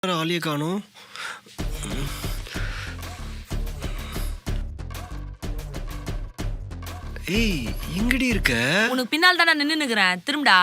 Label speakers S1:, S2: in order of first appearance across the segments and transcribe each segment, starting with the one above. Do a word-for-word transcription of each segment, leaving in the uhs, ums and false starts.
S1: ஆளியே காணோம். ஏய் எங்கடி இருக்க?
S2: உனக்கு பின்னால் தானே நின்னு நிக்கிறேன். திரும்படா.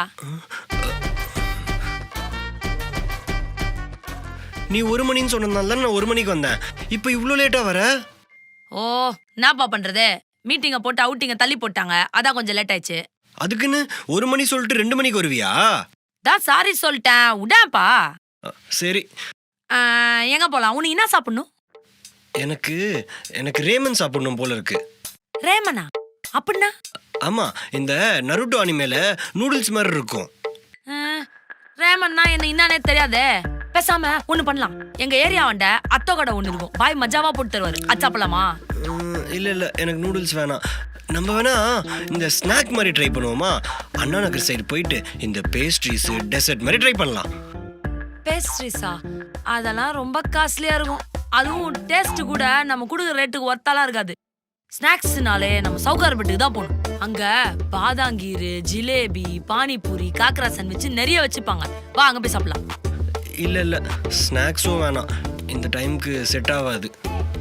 S1: நீ ஒரு மணின்னு சொன்னதால தான் நான் ஒரு மணிக்கு வந்தேன். இப்போ இவ்ளோ லேட்டா வர?
S2: ஓ என்னப்பா பண்றது? மீட்டிங்க போட்டு அவுட்டிங்க தள்ளி போட்டாங்க. அதான் கொஞ்சம் லேட் ஆயிடுச்சு.
S1: அதுக்குன்னு ஒரு மணி சொல்லிட்டு ரெண்டு மணிக்கு வருவியா?
S2: தான் சாரி சொல்லிட்டேன். உடாப்பா.
S1: சரி.
S2: எங்க போலாம்? உனக்கு என்ன சாப்பிடணும்?
S1: எனக்கு எனக்கு ரேமன் சாப்பிடணும் போல இருக்கு.
S2: ரேமனா? அப்படின்னா?
S1: ஆமா, இந்த நருட்டோ அனிமேல நூடுல்ஸ் மாதிரி இருக்கும்.
S2: ரேமன்னா என்ன என்னன்னே தெரியாதே. பேசாம ஒண்ணு பண்ணலாம். எங்க ஏரியாவண்ட அத்தோ கடை ஒண்ணு இருக்கும். பாய் மஜாவா போட்டு தருவாரு. அது சாப்பிடலாமா?
S1: இல்ல இல்ல, எனக்கு நூடுல்ஸ் வேணாம். நம்ம வேணா இந்த ஸ்நாக் மாதிரி ட்ரை பண்ணுவோமா? அண்ணா நகர் சைடு போயிட்டு இந்த பேஸ்ட்ரீஸ் டெசர்ட் மாதிரி ட்ரை பண்ணலாம்.
S2: பேஸ்ட்ரீஸா? அதெல்லாம் ரொம்ப காஸ்ட்லியா இருக்கும். அதுவும் டேஸ்ட் கூட நம்ம கொடுக்குற ரேட்டுக்கு ஒர்த்தாலாம் இருக்காது. ஸ்நாக்ஸ்னாலே நம்ம சவுகார்பேட்டுக்கு தான் போகணும். அங்க பாதாங்கீரு, ஜிலேபி, பானிபூரி, காக்கரா சாண்ட்விச் நிறைய வச்சுப்பாங்க. வா அங்க போய் சாப்பிடலாம்.
S1: இல்ல இல்ல, ஸ்நாக்ஸும் வேணாம். இந்த டைம்க்கு செட் ஆகாது.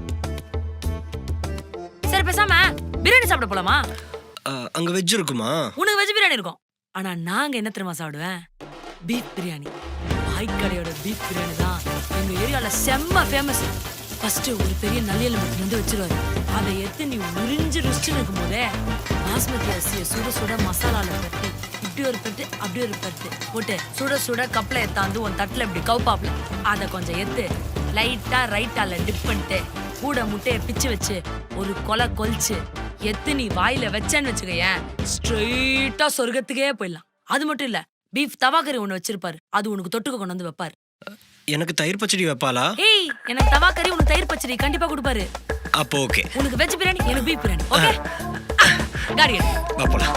S2: சரி பேசாம பிரியாணி சாப்பிட போலாமா?
S1: அங்க வெஜ் இருக்குமா?
S2: உனக்கு வெஜ் பிரியாணி இருக்கும். ஆனா நாங்க என்ன தெரியுமா சாப்பிடுவேன்? பீஃப் பிரியாணி. பாய் கடையோட பீஃப் பிரியாணி தான் எங்க ஏரியால செம்ம ஃபேமஸ். ஃபர்ஸ்ட் ஒரு பெரிய நல்லியல் மட்டும் வந்து வச்சிருவாரு. அதை எடுத்து நீ உறிஞ்சு ருசிச்சு இருக்கும் போதே பாஸ்மதி அரிசியை சுட சுட மசாலால தட்டி இப்படி ஒரு பெட்டு அப்படி ஒரு பெட்டு போட்டு சுட சுட கப்பலை எத்தாந்து உன் தட்டுல இப்படி கவுப்பாப்ல அதை கொஞ்சம் எடுத்து லைட்டா ரைட்டால டிப் பண்ணிட்டு கூட முட்டையை பிச்சு வச்சு ஒரு கொலை கொலிச்சு எத்து நீ வாயில வச்சேன்னு வச்சுக்கேன், ஸ்ட்ரெயிட்டா சொர்க்கத்துக்கே போயிடலாம். அது மட்டும் இல்ல, பீஃப் தவாக்கறி ஒண்ணு வச்சிருப்பாரு. அது உனக்கு தொட்டுக்க கொண்டு வந்து வைப்பாரு.
S1: எனக்கு தயிர் பச்சடி வைப்பாளா?
S2: ஏய், எனக்கு தவாக்கறி உனக்கு தயிர் பச்சடி கண்டிப்பா கொடுப்பாரு.
S1: அப்போ ஓகே.
S2: உனக்கு வெஜ் பிரியாணி, எனக்கு பீஃப் பிரியாணி. ஓகே காடி
S1: வா போலாம்.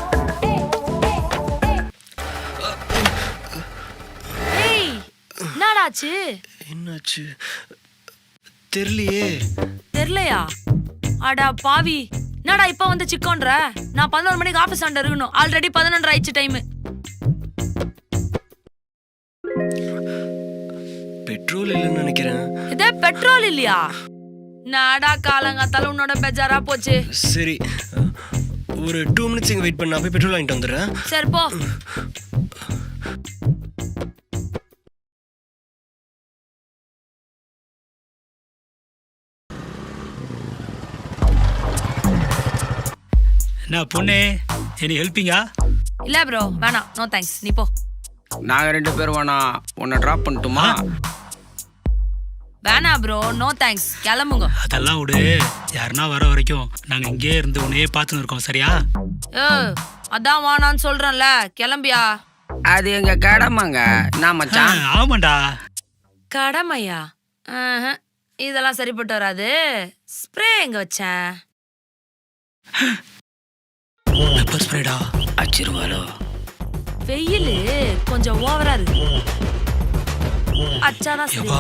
S2: ஏய் என்னடாச்சு?
S1: என்னாச்சு தெரியலையே.
S2: தெரியலையா? அடா பாவி, என்னடா இப்ப வந்து சிக்கோன்ற? நான் பதினோரு மணிக்கு ஆபீஸ் ஆண்ட இருக்கணும். ஆல்ரெடி பதினொன்று ஆயிடுச்சு டைம்.
S1: பெட்ரோல் இல்லைன்னு நினைக்கிறேன்.
S2: இதே பெட்ரோல் இல்லையா? நாடா காலங்காத்தால உன்னோட பெஜாரா போச்சு.
S1: சரி, ஒரு டூ மினிட்ஸ் இங்க வெயிட் பண்ண, போய் பெட்ரோல் வாங்கிட்டு வந்துடுறேன்.
S2: சரி போ.
S3: என்ன பொண்ணு, என்ன ஹெல்ப்பிங்கா?
S2: இல்ல ப்ரோ, வேணாம். நோ தேங்க்ஸ், நீ போ.
S4: நாங்க ரெண்டு பேரும் வேணா உன்னை டிராப் பண்ணட்டுமா?
S2: வேணா ப்ரோ, நோ தேங்க்ஸ், கிளம்புங்க.
S3: அதெல்லாம் விடு. யாருன்னா வர வரைக்கும் நாங்க இங்கே இருந்து உன்னையே பார்த்துன்னு இருக்கோம், சரியா?
S2: ஏ அதான் வானான்னு சொல்றேன்ல, கிளம்பியா.
S4: அது எங்க கடமைங்க. நான் மச்சான்.
S3: ஆமாண்டா.
S2: கடமையா? இதெல்லாம் சரிப்பட்டு வராது. ஸ்ப்ரே எங்க வச்சேன்?
S3: பெப்பர் ஸ்ப்ரேடா.
S4: அச்சிருவாளோ?
S2: வெயிலு கொஞ்சம் ஓவரா இருக்கு. அச்சாதான் சரி.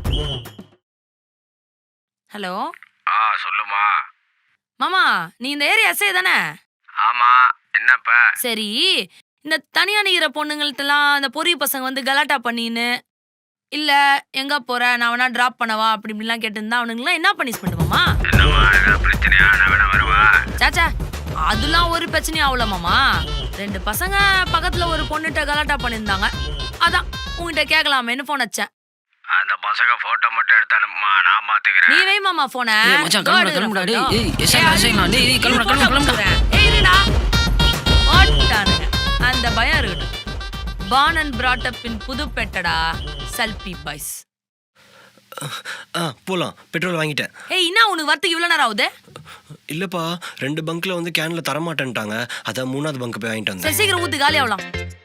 S2: ஹலோ.
S4: ஆ சொல்லுமா.
S2: மாமா, நீ இந்த ஏரியா எஸ்ஐ தானே?
S4: ஆமா, என்னப்ப?
S2: சரி, இந்த தனியா நிக்கிற பொண்ணுங்கள்ட்டலாம் இந்த பொரிய பசங்க வந்து கலாட்டா பண்ணின்னு இல்ல எங்க போற, நான் வேணா டிராப் பண்ணவா அப்படி இப்படிலாம் கேட்டுருந்தா அவனுங்களாம் என்ன பனிஷ்மெண்ட் மாமா?
S4: பிரச்சனையா? நான் வேணா வருவா.
S2: சாச்சா, அதெல்லாம் ஒரு பிரச்சனையும் ஆகல மாமா. ரெண்டு பசங்க பக்கத்துல ஒரு பொண்ணுகிட்ட கலாட்டா பண்ணியிருந்தாங்க. அதான் உங்ககிட்ட கேட்கலாமேன்னு போன் வச்சேன்.
S4: அந்த பசங்க போட்டோ மட்டும் எடுத்து அனுப்புமா, நான் பாத்துக்கிறேன்.
S2: நீ வை மாமா போன.
S4: ஏய் மச்சான், கிளம்புடா கிளம்புடா. டேய் ஏய் எஸ்ஐ எஸ்ஐ நான். டேய் டேய் கிளம்புடா கிளம்புடா கிளம்புடா.
S2: ஏய் இருடா. ஓட்டானுங்க. அந்த பயம் இருக்கட்டும். born and brought up in புதுப்பேட்டடா, சல்பி பாய்ஸ்.
S1: ஆ போலாம், பெட்ரோல் வாங்கிட்டேன்.
S2: ஏய் என்ன உனக்கு வரத்துக்கு இவ்வளவு நேரம் ஆகுது?
S1: இல்லப்பா, ரெண்டு பங்க்ல வந்து கேன்ல தர மாட்டேன்ட்டாங்க. அதான் மூணாவது பங்க் போய் வாங்கிட்டு வந்தேன்.
S2: சரி சீக்கிரம் ஊத்து, காலி ஆகலாம்.